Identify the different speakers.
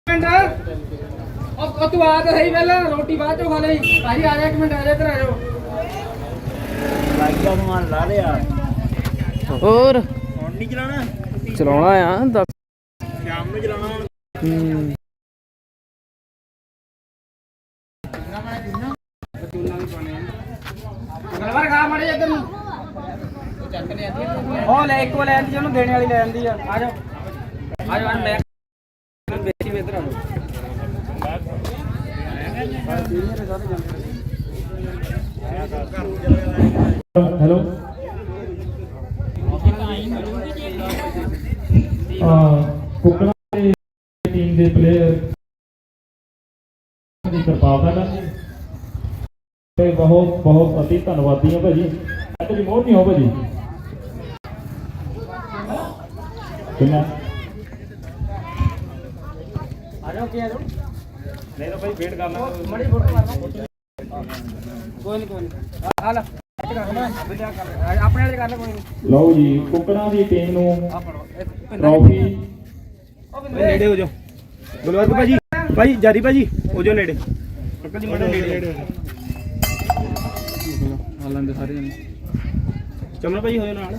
Speaker 1: ਤੂੰ ਆ ਤਾਂ ਸਹੀ ਪਹਿਲਾਂ ਰੋਟੀ ਬਾਅਦ ਚੋਂ ਖਾ ਲਈ ਭਾਜੀ ਆ ਜਾ ਇੱਕ ਮਿੰਟ ਆ ਜਾ ਇੱਧਰ ਆ ਜਾਓ
Speaker 2: ਲਾਈਟਾਂ ਸਮਾਨ ਲਾ ਲਿਆ
Speaker 3: ਹੋਰ
Speaker 2: ਹੁਣ ਨਹੀਂ ਚਲਾਉਣਾ
Speaker 3: ਚਲਾਉਣਾ ਆ
Speaker 2: ਸ਼ਾਮ ਨੂੰ ਚਲਾਉਣਾ ਹੁਣ
Speaker 1: ਗਲਵਰ ਖਾ ਮੜੇ ਇੱਧਰ ਨੂੰ ਉਹ ਲੈ ਇੱਕੋ ਲੈ ਆਂਦੀ ਉਹਨੂੰ ਦੇਣੇ ਵਾਲੀ ਲੈ ਆਂਦੀ ਆ ਆ ਜਾਓ ਆ ਜਾਓ ਮੈਂ ਬੇਟੀ ਇੱਧਰ ਆ ਜਾਓ
Speaker 4: हेलो ਕੁਕੜਾ ਦੀ ਟੀਮ ਦੇ ਪਲੇਅਰ ਦੀ ਕਿਰਪਾਲਤਾ ਕਰਨੀ ਤੇ ਬਹੁਤ ਬਹੁਤ ਅਤੀ ਧੰਨਵਾਦੀ ਹਾਂ ਭਾਜੀ ਤੇ ਮੋਹ ਨਹੀਂ ਹੋ ਭਾਜੀ ਕਿੰਨਾ
Speaker 1: ਆ ਜਾਓ ਕੀ ਆ ਜਾਓ
Speaker 4: ਨਹੀਂ ਤਾਂ ਭਾਈ ਵੇਟ ਕਰਨਾ
Speaker 1: ਮੜੀ ਫੋਟੋ ਮਾਰਨਾ ਕੋਈ ਨਹੀਂ ਆ ਲੈ ਆਪਣੇ ਵਾਲੇ ਕਰ ਲੈ ਕੋਈ ਨਹੀਂ
Speaker 4: ਲਓ ਜੀ ਕੁਕੜਾ ਦੀ ਟੀਮ ਨੂੰ
Speaker 1: ਆ ਫੜੋ
Speaker 4: ਟਰਾਫੀ
Speaker 2: ਨੇੜੇ ਹੋ ਜਾਓ ਗੁਲਵਰਗ ਭਾਜੀ ਭਾਈ ਜਾਰੀ ਭਾਜੀ ਹੋ ਜਾਓ ਨੇੜੇ ਅੰਕਲ ਜੀ ਮੜੇ ਨੇੜੇ
Speaker 1: ਹਾਲਾਂ ਦੇ ਸਾਰੇ ਜਣੇ
Speaker 2: ਚਮਨ ਭਾਜੀ ਹੋ ਜਾਓ ਨਾਲ